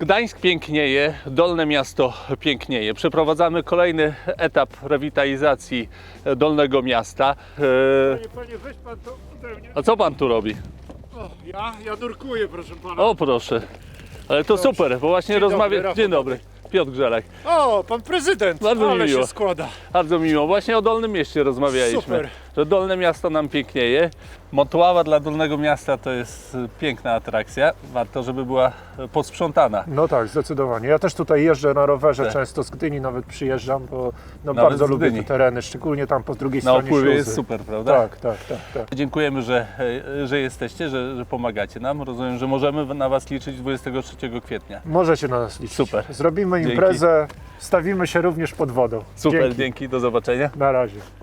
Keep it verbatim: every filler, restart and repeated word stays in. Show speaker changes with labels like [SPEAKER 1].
[SPEAKER 1] Gdańsk pięknieje, Dolne Miasto pięknieje. Przeprowadzamy kolejny etap rewitalizacji Dolnego Miasta.
[SPEAKER 2] Panie, panie, weź pan to ode mnie.
[SPEAKER 1] A co pan tu robi?
[SPEAKER 2] O, ja? Ja nurkuję, proszę pana.
[SPEAKER 1] O proszę, ale to super, bo właśnie
[SPEAKER 2] Dzień dobry,
[SPEAKER 1] rozmawiam...
[SPEAKER 2] Rafał.
[SPEAKER 1] Dzień dobry, Piotr Grzelak.
[SPEAKER 2] O, pan prezydent,
[SPEAKER 1] Bardzo mi
[SPEAKER 2] ale
[SPEAKER 1] miło.
[SPEAKER 2] się składa.
[SPEAKER 1] Bardzo miło. Właśnie o Dolnym Mieście rozmawialiśmy.
[SPEAKER 2] Super.
[SPEAKER 1] Że Dolne Miasto nam pięknieje. Motława dla Dolnego Miasta to jest piękna atrakcja. Warto, żeby była posprzątana.
[SPEAKER 3] No tak, zdecydowanie. Ja też tutaj jeżdżę na rowerze,
[SPEAKER 1] Tak.
[SPEAKER 3] często z Gdyni nawet przyjeżdżam, bo no
[SPEAKER 1] Nawet
[SPEAKER 3] bardzo
[SPEAKER 1] z
[SPEAKER 3] lubię
[SPEAKER 1] Gdyni.
[SPEAKER 3] te tereny, szczególnie tam po drugiej
[SPEAKER 1] Na
[SPEAKER 3] stronie
[SPEAKER 1] opływie
[SPEAKER 3] śluzy.
[SPEAKER 1] jest super, prawda?
[SPEAKER 3] Tak, tak, tak, tak.
[SPEAKER 1] Dziękujemy, że, że jesteście, że, że pomagacie nam. Rozumiem, że możemy na Was liczyć dwudziestego trzeciego kwietnia.
[SPEAKER 3] Możecie na nas liczyć.
[SPEAKER 1] Super.
[SPEAKER 3] Zrobimy
[SPEAKER 1] Dzięki.
[SPEAKER 3] imprezę, stawimy się również pod wodą.
[SPEAKER 1] Super,
[SPEAKER 3] Dzięki.
[SPEAKER 1] dzięki, do zobaczenia.
[SPEAKER 3] Na razie.